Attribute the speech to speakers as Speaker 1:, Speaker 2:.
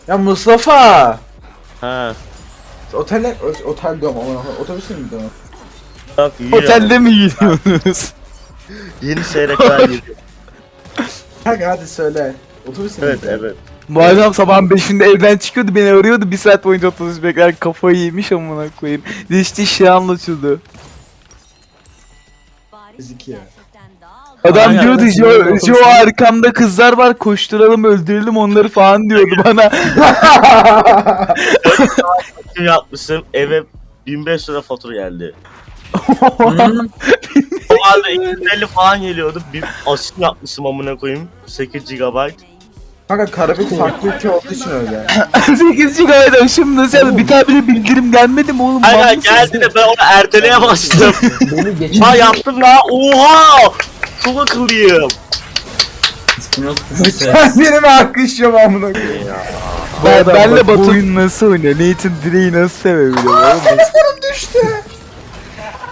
Speaker 1: Ya Mustafa!
Speaker 2: Ha.
Speaker 1: Otel diyorum ama otobüsü mü diyorum?
Speaker 2: Bak iyi
Speaker 3: Otelde mi gidiyorsunuz?
Speaker 2: Yeni seyrekler geliyor.
Speaker 1: Kanka hadi söyle. Otobüsü mü?
Speaker 2: Evet evet.
Speaker 3: Bu adam sabahın 5'inde evden çıkıyordu, beni arıyordu, 1 saat boyunca otobüs bekler, kafayı yemiş amına koyayım. İşte şey anlatıyordu.
Speaker 1: Fiziki ya.
Speaker 3: Adam
Speaker 2: Aynen.
Speaker 3: diyordu
Speaker 1: Aynen.
Speaker 3: Jo arkamda kızlar var, koşturalım öldürelim onları falan diyordu bana.
Speaker 2: Kim yapmışsın eve 1500 lira fatura geldi. O halde 250 falan geliyordu. Bir asit yapmışım amına koyayım. 8 GB.
Speaker 1: Kanka Karabük farklı ülke olduğu için öyle.
Speaker 3: 8 GB şimdi nasıl bir tane bile bildirim gelmedi mi oğlum?
Speaker 2: Aynen
Speaker 3: Mal mısın
Speaker 2: geldi de ben onu erteleye bastım.
Speaker 4: Beni geçen
Speaker 2: Ha yaptım la. Oha! Çok akıllıyım.
Speaker 1: Benim alkışlıyorum amına koyayım.
Speaker 3: Ben,
Speaker 1: adam
Speaker 3: benle
Speaker 1: bak, bu
Speaker 3: Batu oyun nasıl oynuyor? Nathan Drake'i nasıl sevebiliyor oğlum?
Speaker 1: Telefonum düştü.